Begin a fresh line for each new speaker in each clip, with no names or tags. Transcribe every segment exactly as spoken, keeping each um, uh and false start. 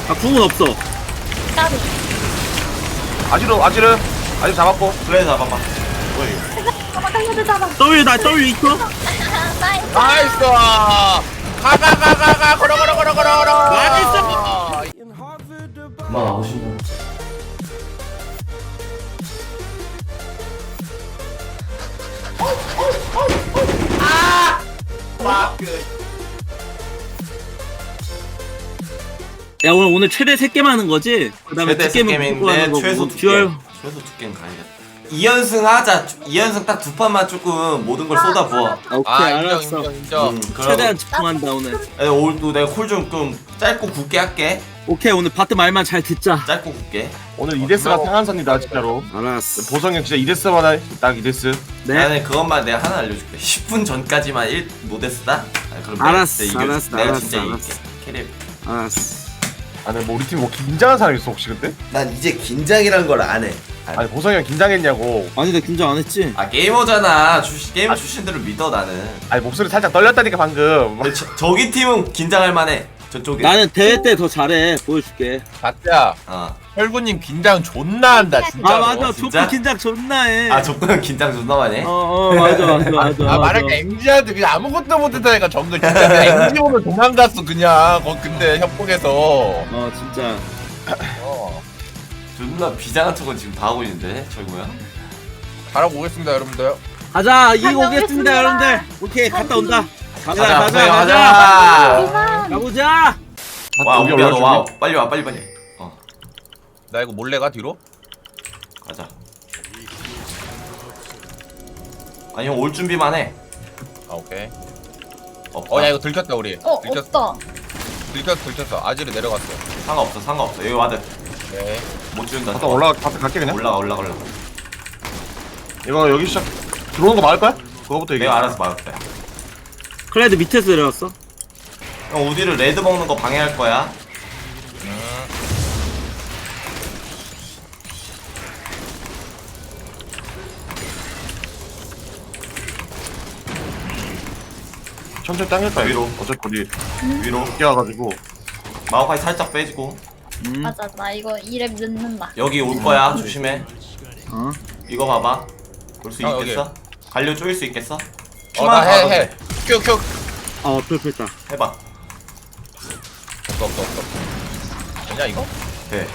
아 궁은 없어.
까비.
아지르 아지르 아지르 잡았고.
그래 잡아봐.
잡아, 달려들 잡아.
W 나 W 있어?
나이스.
나이스. 가가가가가 걸어 걸어 걸어 걸어 걸어.
나이스.
엄마 나오신다.
야 오늘 오늘 최대 세 게임 하는 거지? 그다음에
최대
두 게임은
게임인데
무조건 하는 거고.
최소 두
듀얼.
게임. 최소 두 게임 가야겠다. 이 연승 하자. 이 연승 딱 두 판만 조금 모든 걸 쏟아 부어.
아, 오케이
아 인정
알았어.
인정 인정.
음,
최대한 집중한다 오늘.
그럼 오늘도 내가 콜 좀 좀 짧고 굵게 할게.
오케이 오늘 바트 말만 잘 듣자.
짧고 굵게.
오늘 이데스가 상한선이다 진짜로.
알았어.
보성이 형 진짜 이데스만 해. 딱 이데스.
네.
나는 그것만 내가 하나 알려줄게. 십 분 전까지만 일 모데스다. 아, 그럼
알았어,
내가, 내가
알았어,
내가
알았어,
진짜
알았어.
이길게. 캐리.
알았어.
아니 뭐 우리 팀 뭐 긴장한 사람 있어 혹시 그때?
난 이제 긴장이란 걸 안 해.
아니 보성이 형 긴장했냐고.
아니 나 긴장 안 했지.
아 게이머잖아. 출신 게임 출신들을 믿어 나는.
아니 목소리 살짝 떨렸다니까 방금.
근데 저, 저기 팀은 긴장할 만해. 저쪽에.
나는 대회 때 더 잘해. 보여줄게.
가트야.
어.
혈구님 긴장 존나 한다 진짜로.
아 맞아.
진짜?
조건 긴장 존나 해.
아 조건 긴장 존나 많이 해.
어어 맞아 맞아 맞아.
아
맞아.
말할까 엠지한테 그냥 아무것도 못했다니까 정글 진짜 그냥 엠지 오면 도망갔어 그냥 거 근데 협곡에서.
어 진짜.
어.
존나 비장한 척은 지금 다 하고 있는데 저기 뭐야?
잘하고 오겠습니다 여러분들.
가자 이기고
다녀오겠습니다.
오겠습니다 여러분들. 오케이 갔다 온다. 가자
가자
가자 가자.
가자.
이만.
가보자.
와
여기
우리야 너 와.
올라줄게.
빨리 와 빨리 빨리. 어
나 이거 몰래 가 뒤로?
가자. 아니 형 올 준비만 해.
아 오케이.
없다.
어 야 이거 들켰다 우리.
어,
들켰어.
없다.
들켰어 들켰어. 아지르 내려갔어.
상관없어 상관없어. 여기 와드
네.
못 지운다.
갔다 올라가 갔다 갈게 그냥.
올라가 올라가 올라가.
이거 여기 시작. 들어오는 거 막을 거야? 그거부터 얘기해.
내가 알아서 막을게.
클레드 밑에서 내려왔어.
형 우디를 레드 먹는 거 방해할 거야.
천천히 당길 거야.
위로.
어차피 우리
위로
뛰어가지고.
마오카이 살짝 빼주고.
음.
맞아, 나 이거 이랩 늦는다.
여기 올 거야 조심해.
어.
이거 봐봐. 볼 수
형,
있겠어? 갈려 쪼일 수 있겠어?
어나 해
봐도
해.
돼.
큐 큐.
어 풀풀다.
해봐.
없어 없어 없어. 되냐 이거?
돼.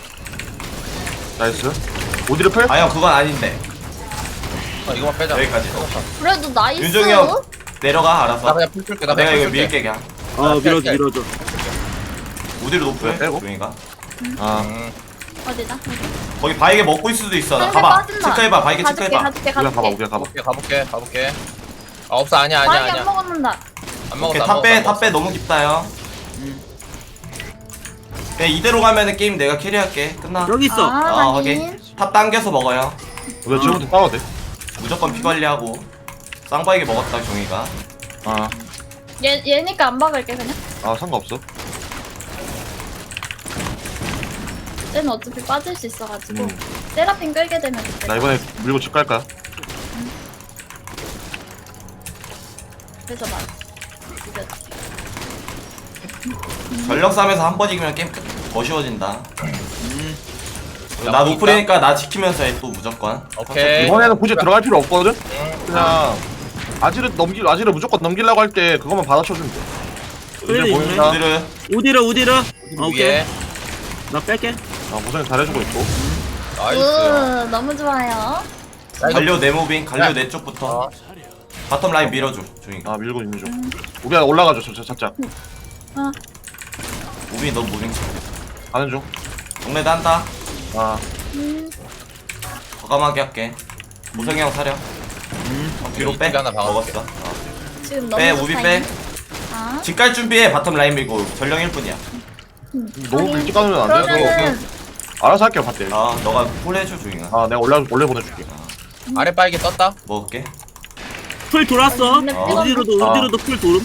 나이스. 어디를 풀?
아 형 그건 아닌데.
아 이거만 빼자.
여기까지.
그래도 나이스.
윤종이 형 내려가
나
알아서.
그냥 풀 줄게. 나
내가
그냥
이거
풀 줄게.
밀게 그냥.
어 밀어줘
짤, 짤.
밀어줘.
우디로 높여.
빼고?
종이가.
아.
음.
어디다?
거기 바이게 먹고 있을 수도 있어. 나
상대
가봐.
빠진다.
체크해봐. 바이게
가줄게,
체크해봐.
가줄게,
우리가 가봐
가줄게.
우리가 가봐. 가볼게 가볼게 가볼게. 아 없어 아니야 아니야
바위 안
아니야.
먹었는다.
안 먹었어.
오케이
안
탑
먹었어,
빼.
안
탑 빼. 너무 깊다 형. 그냥 이대로 가면은 게임 내가 캐리할게. 끝나.
여기 있어.
아,
어
확인.
확인. 탑 당겨서 먹어요.
우리가 지금부터 싸워도 돼.
무조건 피 관리하고. 쌍바이게 먹었다 종이가.
아.
얘 얘니까 안 박을게 그냥.
아 상관없어.
쟤는 어차피 빠질 수 있어가지고
음.
세라핀 끌게 되면 그때.
나 이번에 밀고 집 갈까?
그래서 말. 이거
전력 싸움에서 한 번 이기면 게임 끝. 더 쉬워진다.
음.
나 노플이니까 나 지키면서 해 또 무조건.
오케이. 이번에는 굳이 들어갈 필요 없거든. 그냥 아지르 넘길 아지르 무조건 넘기려고 할 때 그것만 받아쳐주면 돼.
그래,
이제 보인다.
우디를
우디르 우디르. 오케이.
위에.
나 뺄게.
아 고생 잘해주고 있고.
으, 너무 좋아요.
갈려 내 무빙 갈려
야.
내 쪽부터
어.
바텀 라인 밀어줘 종이가.
아 밀고 있는 중. 우리가 올라가죠 저, 저 살짝.
어.
무빙 너 무빙
가는 중.
동네도 한다.
아
음.
과감하게 할게. 보성이 형 사려. 어, 뒤로 빼.
이쪽에 하나 박아줄게.
먹었어. 어.
지금 너무
빼
좋다,
우비
이거.
빼.
아.
집 갈 준비해. 바텀 라인 밀고 전령 일 분이야.
너무 일찍 가면 안 돼.
그러면은
알아서 할게요 밭대.
아 너가 콜 해줘 종이가.
아 내가 올라 올려 보내줄게.
아래 빨개 떴다.
먹을게.
풀 돌았어.
근데
어.
우디로도
아.
우디로도 풀 돌음.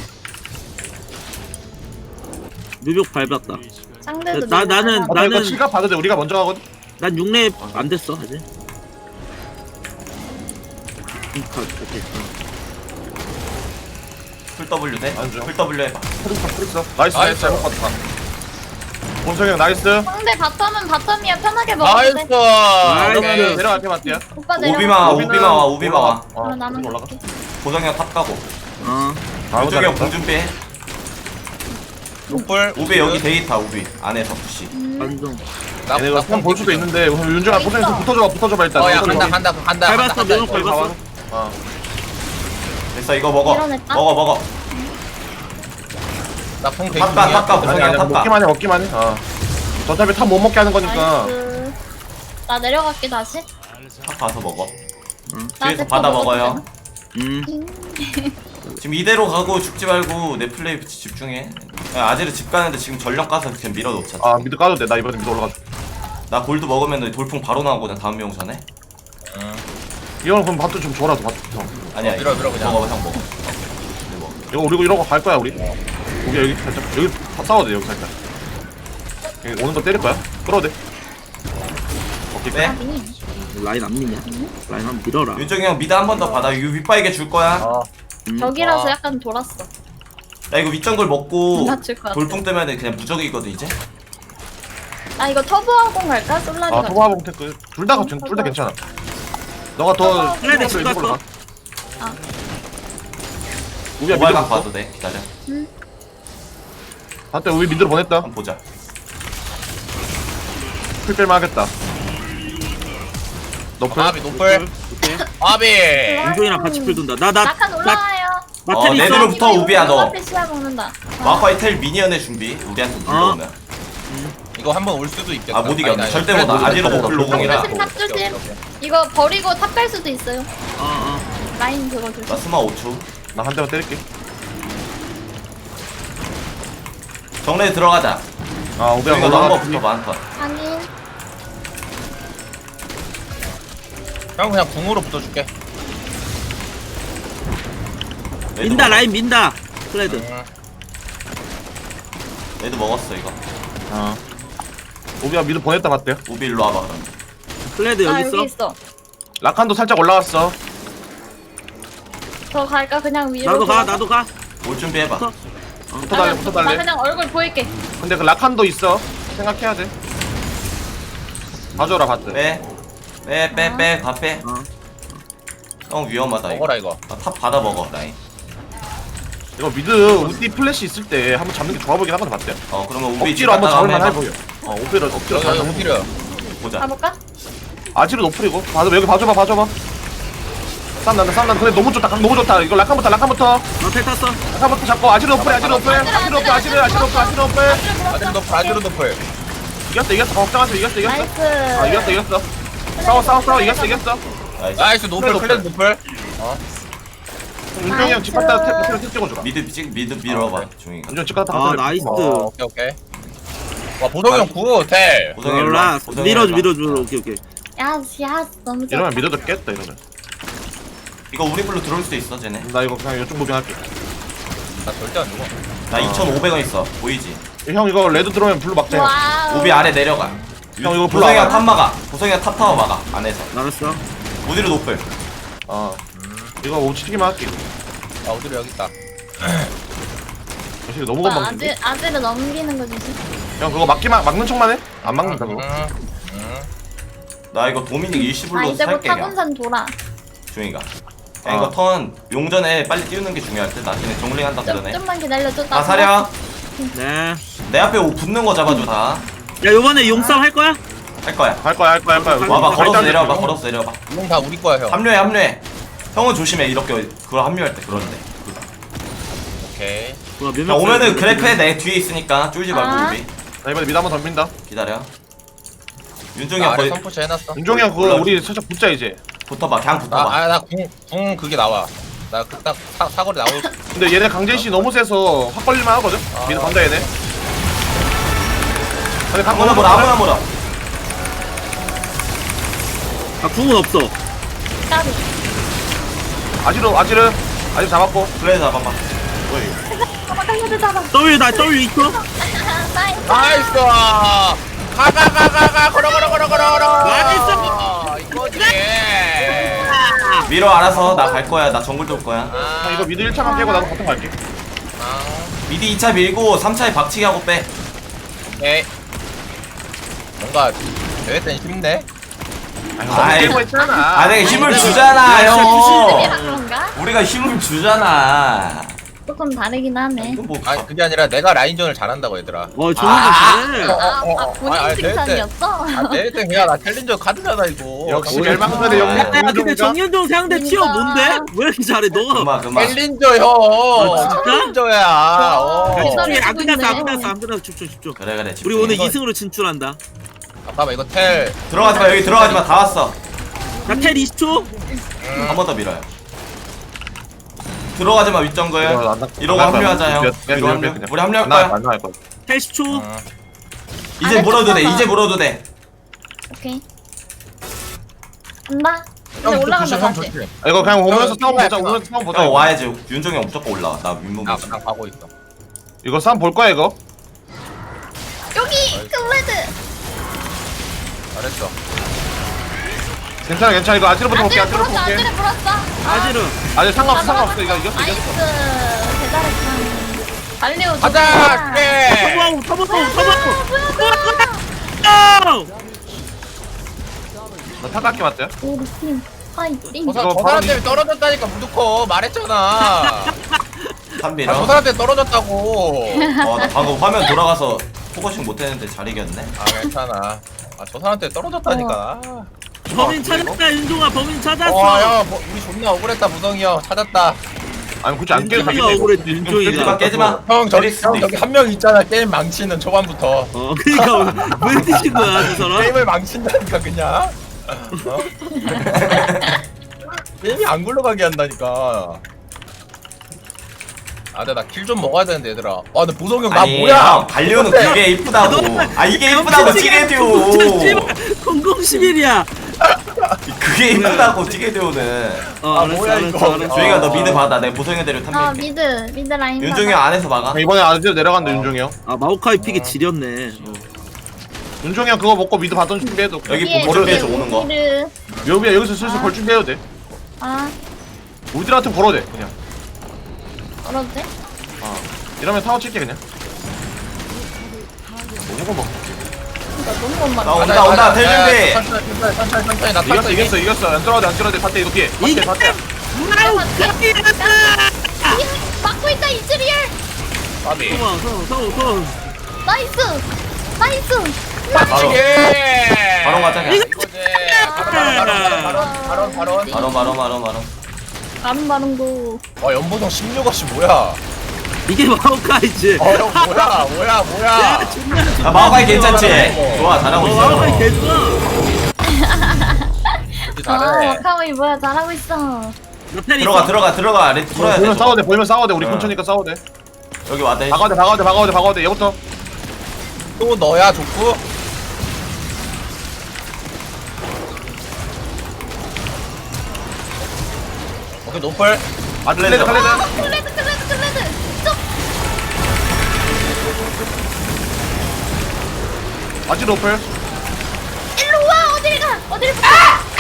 뮤벽 밟았다.
상대도
나- 나는-
아, 나 이거
나는-
칠갑 봐도 돼. 우리가 먼저 가거든.
난 육 렙 안 됐어 아직. 음, 가- 오케이.
풀 W 돼?
안 줘.
풀 W 해봐.
프리스 프리스. 나이스
나이스.
잘못 봤다. 원석이 형 나이스.
상대 바텀은 바텀이야. 편하게 먹어도
나이스.
돼.
나이스.
오케이.
내려갈게 맞대야.
오빠 내려.
오비마 와
오비는
오비마 와 오비마 와
어,
그럼 나는
올라가.
갈게.
고성이 형 탑 가고
어.
아,
윤종이 형
잘했다.
공준비해
노플.
우비 여기 데이터 우비 안에서 푸시
완전.
나
얘네가
나
볼 수도 있는데 윤종아
있어.
포텐스 붙어줘봐 붙어줘봐 일단.
어야
붙어줘봐.
간다 간다 간다.
밟았어,
간다,
매운
간다.
밟았어.
어.
됐어 이거 먹어
밀어냈다.
먹어 먹어
나풍 대기
탑가
중이야.
탑가
아니
고성이
아니
형 탑가
먹기만 해 먹기만 해. 어. 저 탑에 탑 못 먹게 하는 거니까.
나이스. 나 내려갈게 다시.
탑 가서 먹어
나
뒤에서
아직
받아
더
먹어요
먹어도
음.
지금 이대로 가고 죽지 말고 내 플레이 집중해 야, 아지르 집 가는데 지금 전력 가서 그냥 밀어놓자
아 미드 까도 돼. 나 이번에 미드 올라가.
나 골드 먹으면 돌풍 바로 나오거든 다음 용선에
응.
이거는 그럼 밥도 좀 줘라 밥 좀.
아니야
어, 밀어, 밀어, 그냥.
먹어 형 먹어 네, 먹어.
이거 우리 이러고 갈 거야 우리. 우리 여기 살짝 여기 다 싸워도 돼 여기 살짝. 여기 오는 거 때릴 거야. 끌어도 돼. 오케이
네.
아니.
라인 안 미냐? 라인 한번 밀어라.
윤정이 형 미드 한 번 더 받아 이거 윗바이게 줄 거야
어.
음.
벽이라서
와.
약간 돌았어.
나 이거 윗정글 먹고
맞출 것 같아.
돌풍 때문에 그냥 무적이거든 이제
나 이거 터보하고 갈까? 솔라리
아
갈까?
토마봉 테크 둘다 둘 다 괜찮아. 너가 더
플레이 집
이쪽으로
갔어.
가.
아.
우리가 미드
모발각
봤어.
봐도 돼 기다려
한때 우리 미드로 보냈다.
한번 보자
풀 뺄만 하겠다. 너풀.
아비 노플.
오케이.
아비.
윤종이랑 같이 풀 돈다. 나나
낙한
나
올라와요.
나
어,
텔 있어.
내드로 붙어, 우비야, 너.
앞에 시야 먹는다.
마파이 텔 미니언의 준비 우리한테 물러오면
이거 한 번 올 수도 있겠다.
아 못 이겨
아니, 아니,
절대
아니,
못
아니,
아지로
아니,
노플
아니,
로공이라
조심 탑 조심.
오케이, 오케이.
이거 버리고 탑 갈 수도 있어요.
어 어.
라인 그거 조심.
나 스마 오 초
나 한 대만 때릴게.
정례 들어가자
아 오비야
이거
올라가.
너무 붙어봐 한턴
아니.
형 그냥 궁으로 붙어줄게.
민다 라인 민다. 플레드.
응.
얘도 먹었어 이거
어. 오비야 미드 보냈다 맞대요.
우비 일로 와봐 그럼
플레드
아
여기
여기
있어.
있어.
라칸도 살짝 올라왔어.
더 갈까? 그냥 위로.
나도 가
돌아서?
나도 가.
올 준비해봐
붙어.
붙어 달래
나
붙어
그냥- 나
달래.
그냥 얼굴 보일게.
근데 그 라칸도 있어. 생각해야 돼. 봐줘라 봤대.
빼빼빼빼빼가빼
어.
형 위험하다 이거
먹어라 이거.
아, 탑 받아 먹어 라인
이거 미드 우디 플래시 있을 때 한번 잡는 게 좋아 보이긴 하거든 봤대.
어 그러면 우비
억지로 한번
갔다가
잡을만 해
해봐.
보여. 어 오비를 억지로
여기 여기
잡는 거.
필요.
보자
가볼까?
아지로 노플이고. 봐줘 여기 봐줘봐 봐줘봐. 싸움 난다 싸움 난다. 근데 너무 좋다 강 너무 좋다. 이거 라칸부터 라칸부터
나텔 탔어.
라칸부터 잡고 아지로 노플 아지로 노플 아지로 노플 아지로 아지로 노플 아지로 노플.
아지로 노플 아지로 노플.
이겼어 이겼어 걱정하지 이겼어 이겼어.
나이스.
아 이겼어 이겼어. 싸워 싸워 싸워 이겼어 이겼어.
나이스
나이스 노플
노플.
클랜 노플.
윤정이 형집 갔다가 탭 탭 찍어줘라.
미드 찍 미드 밀어봐
아,
종이가
윤정 집 갔다가
아
탭
나이스.
찍어.
어, 오케이 오케이. 와 보성이 형 구호 호텔.
고성이 일로
올라.
와 고성이
밀어줘
일로 와.
밀어줘. 오케이 오케이.
야스 야스 너무 좋아.
이러면 믿어도 깼다 이러면.
이거 우리 불로 들어올 수도 있어 쟤네
나 이거 그냥 이쪽 무빙할게.
나 절대 안 죽어.
나 이천오백 원 있어 보이지
형 이거 레드 들어오면 블루 막자. 형.
와우.
우비 아래 내려가
형 이거 블루
고성이가
안
탑 막아 고성이가 탑 타워 막아 안에서
알았어.
우디로 노플
어. 이거 오치기만 할게.
아 어디로 여기 있다.
사실 너무
오빠
건방진데.
아재 아재를 넘기는 거 조심.
형 그거 막기만 막는 척만 해? 안 막는다 그거.
응. 응.
나 이거 도미닉
아
일시불로
이제 곧
살게 그냥
타군산 돌아.
종이가
아.
야 이거 턴 용전에 빨리 띄우는 게 중요할 듯 나중에 정링 한다
좀
그러네
좀만 기다려줘. 나
아 사려
네.
내 앞에 오 붙는 거 잡아줘 다 할
야 요번에 용싸움 할 거야?
거야
할 거야 할 거야 할 거야.
와봐
우리
걸어서
발달
내려와봐
됐어.
걸어서 내려와봐
이건 다 우리 거야 형.
합류해 합류해 형은 조심해 이렇게 그걸 합류할 때 그러는데
오케이.
좋아 몇
야
명.
오면은 그래프에 내 뒤에 있으니까 쫄지 말고
아.
우리
나 이번에 미드 한번 덤빈다.
기다려 윤종이
나
형
아래
거의
선푸시 해놨어.
윤종이 형 그거
올라와.
우리 살짝 붙자 이제.
붙어봐 그냥 붙어봐
아나궁궁 그게 나와. 나 그 딱 사거리 나올.
근데 얘네 강제시 너무 세서 확 걸릴만 하거든.
아.
미드 간다 얘네. 근데 강
아무나 몰아 아무나 몰아
아 궁은 없어.
까비.
아지로 아지르 아지르 잡았고.
그래 잡아봐
잠깐만 달려들 잡아.
W 나 W 있어?
나이스.
나이스. 가가가가가 걸어 걸어 걸어 걸어 걸어.
나이스.
이거지.
밀어 알아서 나 갈 거야 나 정글 돌 거야
아,
형 이거 미드 일 차만 깨고 나도 바텀 갈게.
아,
미드 이 차 밀고 삼 차에 박치기 하고 빼
오케이. 뭔가 대회 때는 힘내.
아이,
깨고 했잖아.
아 내가 힘을
야,
주잖아
진짜
아,
형.
그런가?
우리가 힘을 주잖아.
조금 다르긴 하네.
이건 뭐
아니 그게 아니라 내가 라인전을 잘한다고 얘들아.
어 정훈이
아.
잘해.
아, 아,
어, 어,
본인
아니, 아니,
칭찬이었어?
아 대회 때 그냥 나 챌린저 카드잖아 이거.
역시
정말.
멸망설의
야,
영웅
야, 근데
윤종이가
정현종 상대 티어 뭔데? 왜 이렇게 잘해 너?
그만 그만.
챌린저 형.
어, 진짜?
챌린저야. 어.
어.
집중해. 안
기다리고
끝났어 안
있네.
끝났어 안 끝났어 집중 집중.
그래 그래.
우리
집중해.
오늘
이거-
이 승으로 진출한다.
잠깐만 이거 텔.
들어가지 마 여기 들어가지 마 다 왔어.
나텔 이십 초.
한 번 더 밀어요. 들어가지 마 윗정거에.
이거 안 나-
이러고
안 나갈
합류하자
거야.
형.
그냥
이러고
그냥
합류.
그냥.
우리 합류할
안 나갈
거야.
안 나갈 거야.
텔 십 초.
어.
이제
아,
물어도 돼.
잠깐만.
이제 물어도 돼.
오케이. 간다. 이제
형
올라간다
조심 형
다시.
조심.
아, 이거 그냥 오면서 싸움 보자.
형,
오면서 싸움 보자.
형
이거.
와야지. 윤종이 형 무조건 올라와. 나 윗몸.
나 그냥 가고 있어.
이거 싸움 볼 거야 이거.
여기 클레드.
잘했어.
괜찮아 괜찮아 이거 아지르부터 볼게.
안드레
아지르부터
불었어.
볼게.
안드레 불었어.
아지르.
아직 상관없어
나
상관없어 이거
불었어.
이겼어
나이스.
이겼어.
대단했다. 달리오
가자. 예.
터보하고 터보하고 터보하고.
나 타각기 맞대.
우리 팀 파이팅.
저, 사,
이거
저
바로
사람
이-
때문에 떨어졌다니까 무조건 말했잖아. 아,
삼 밀어.
저 사람 때문에 떨어졌다고.
어, 나 방금 화면 돌아가서 포커싱 못했는데 잘 이겼네.
아 괜찮아. 아 저 사람 때문에 떨어졌다니까.
범인 찾았다 윤종아 범인 찾았어.
와야 뭐, 우리 존나 억울했다 무성이 형 찾았다.
아니 굳이 안 깨도
윤종이가
되겠네.
억울해 윤종이가.
깨지마 깨지마.
형 저기
때릴 수도
형 저기
있어.
한 명 있잖아 게임 망치는 초반부터.
어 그러니까 왜 뛰신 거야 저 사람?
게임을 망친다니까 그냥. 어? 게임이 안 굴러가게 한다니까. 아, 근데 나 킬 좀 먹어야 되는데 얘들아. 아, 근데 보성이 형 나
아니,
뭐야?
형, 갈리오는 그게 이쁘다고. 아 이게 이쁘다고 티게디오.
공공십일이야.
그게 이쁘다고 티게디오는.
어
아,
알았어
뭐야,
알았어
이거.
알았어.
조이가 너
어.
미드 받아. 내가 보성이 대로
아
탐밀게.
미드 미드 라인.
윤종이 형 안에서 막아.
이번에 아지르 내려간다 윤종이 형.
아 마오카이 픽이 지렸네.
윤종이 형 그거 먹고 미드 받던 준비해도.
여기
위에
보를
위에
위해서 오는 거.
우리를-
여기야 여기서 슬슬
아.
걸 준비해도 돼.
아
우리들한테 걸어도 돼 그냥.
걸어도 돼?
이러면 타워 칠게 그냥. 너무 거 먹.
나 너무 건만.
나 온다 온다 될 준비.
천천히 천천히 천천히 천천히 나
이겼어
탔어
이겼어 이겼어. 안 들어가도 안 들어가도 밭대 이거 피해. 밭대
이게
밭대.
막고 있다 이즈리얼.
바비.
성아 성아 성아 성아.
나이스 나이스.
맞추게.
바로 가자 그냥.
이거지. 바로 바로 바로 바로 바로 바로.
바로 바로 바로 바로.
바른 바른고.
와 연보성 십육억씩 뭐야?
이게 마오카이지.
어 형 뭐야 뭐야 뭐야?
야 존나
아
존나.
마오카이 괜찮지? 좋아 잘하고
어 마오카이
있어.
개좋아.
이렇게
아
잘해.
와카오이 뭐야 잘하고 있어.
나텔
들어가
있어.
들어가 들어가. 레드 풀어야 돼.
보면
저거.
싸워도 돼 보면 싸워도 돼. 우리
어.
근처니까 싸워도 돼.
여기 와대.
박아도 돼 박아도 돼 박아도 돼 박아도 돼. 얘부터.
또 너야 족구? 오케이 노플.
아 클레드 클레드.
클레드 클레드 클레드. 쪽.
아지르 오플.
일로 와 어딜 가 어딜 가.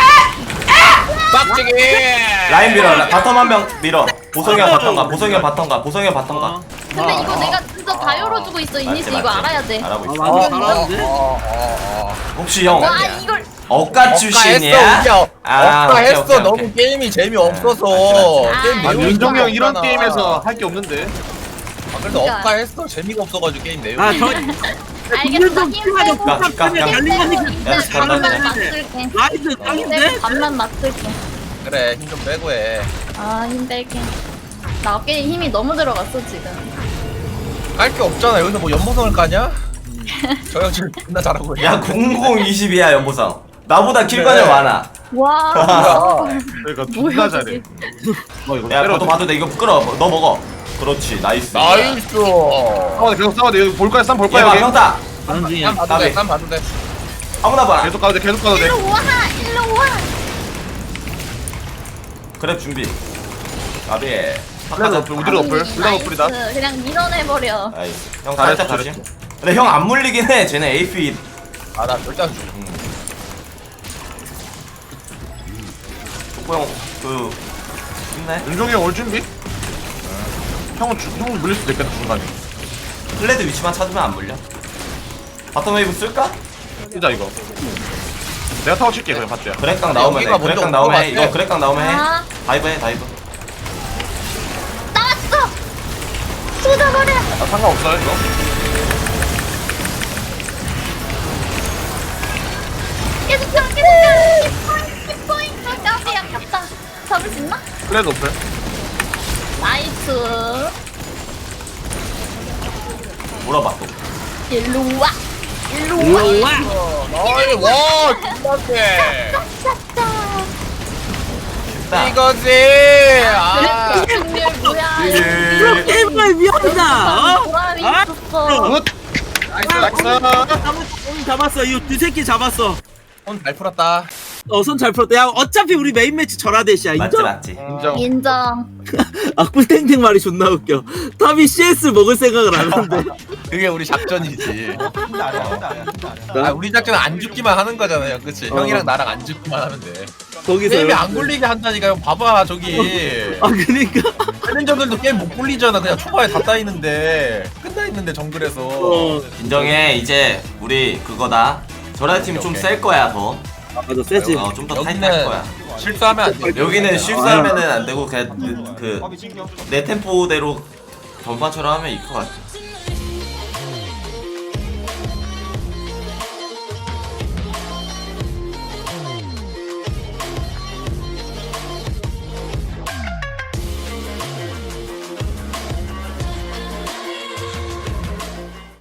빡치기.
라인 밀어. 라- 바텀 한 명 밀어. 보성이 형 바텀 가. 보성이 형 바텀 가. 보성이 형 바텀 가.
어.
근데 이거 내가 진짜 다 열어주고 있어 이니스
맞지,
이거
맞지.
알아야 돼.
알아보
아
있어.
완전 잘하는데.
어, 어, 어.
혹시 형
와 이걸
억가 출신이야?
억가했어
아,
억가
오케이,
했어
오케이,
너무
오케이.
게임이 재미없어서
맞지, 맞지.
게임
아,
아
내용이
윤종이 형 이런
없잖아.
게임에서 할 게 없는데.
아, 그래도
그러니까.
억가 했어 재미가 없어가지고 게임 내용이.
아저
알겠어 힘 빼고
가, 가,
힘
가.
빼고
야,
이제 반만
간단해.
맞출게.
라이드
힘
짱인데?
빼고 반만 맞출게.
그래 힘 좀 빼고 해.
아힘 뺄게. 나 어깨에 힘이 너무 들어갔어 지금.
깔 게 없잖아 여기서 뭐 연보성을 까냐? 저 형 지금 존나 잘하고 있네.
야 공공이십이야 연보성. 나보다 킬관이
그래.
많아.
와.
그러니까
뭐야,
존나 잘해.
저게.
너 이거
야
때려.
그것도 봐도 돼. 이거 끌어. 너 먹어. 그렇지 나이스.
나이스.
싸워 돼 계속 싸워 돼. 여기 볼 거야 쌈 볼 거야
얘봐
여기.
평타.
가는 중이야.
쌈 봐도 돼.
나비.
쌈 봐도 돼.
아무나 봐라.
계속 가도 돼 계속 가도 돼.
일로 와 일로 와.
그래 준비. 나비.
클레드 오플 우디르 오플.
나이스.
둘다 오플이다.
그냥 밀어내버려.
나이스. 형
잘했어,
살짝 조심.
잘했어.
근데 형 안 물리긴 해. 쟤네 에이피.
아 나 절대 안 줘.
독보 형그 힘내.
윤종이 형 올 준비? 형은 주, 형은 물릴 수도 있겠다 중간에.
플레드 위치만 찾으면 안 물려. 바텀 웨이브 쓸까?
진짜 이거. 내가 타워 칠게 그냥 봤대요.
그렉강 나오면 해
여기가 먼저
그렉강
온
나오면
것
해 이거
같아.
그렉강 나오면 해
아.
다이브 해 다이브
나왔어. 쏟아버려.
아, 상관없어요 이거.
계속 펴, 계속 펴. 힙포인트, 힙포인트. 까비 아깝다. 잡을 수 있나?
플레드 없어요?
나이스.
물어봐 또
일로 와. 일로 와.
일로 와.
어이 와 김밥대
짜짜짜.
쉽다
이거지 아
승률 뭐야?
이거 게임을 위험하다. 어?
보람이
아?
있었어.
굿! 나이스 나이스!
잡았어. 잡았어. 이거 두 새끼 잡았어.
손잘 풀었다
어, 손 잘 풀었다. 야, 어차피 우리 메인 매치 전화대시야.
맞지
인정?
맞지
인정.
인정.
아, 꿀탱탱 말이 존나 웃겨. 탑이 씨에스 먹을 생각을 안 하는데.
그게 우리 작전이지
진짜 아니야 진짜 아니야 진짜 아니야
아, 우리 작전은 안 죽기만 하는 거잖아요 그치
어.
형이랑 나랑 안 죽기만 하면 돼
거기서.
게임이
이렇게.
안 굴리게 한다니까 형 봐봐 저기
아, 그니까.
챌린저들도 게임 못 굴리잖아 그냥 초반에 다 따이는데 끝나 있는데 정글에서
어.
인정해 이제 우리 그거다 저라 팀 좀
오케이.
셀 거야 더
아, 맞아. 세지.
어, 좀 더 타이트할
여기는
거야
실수하면 안돼
여기는 실수하면은 안 되고 그냥 그 내 템포대로 전판처럼 하면 이길 것 같아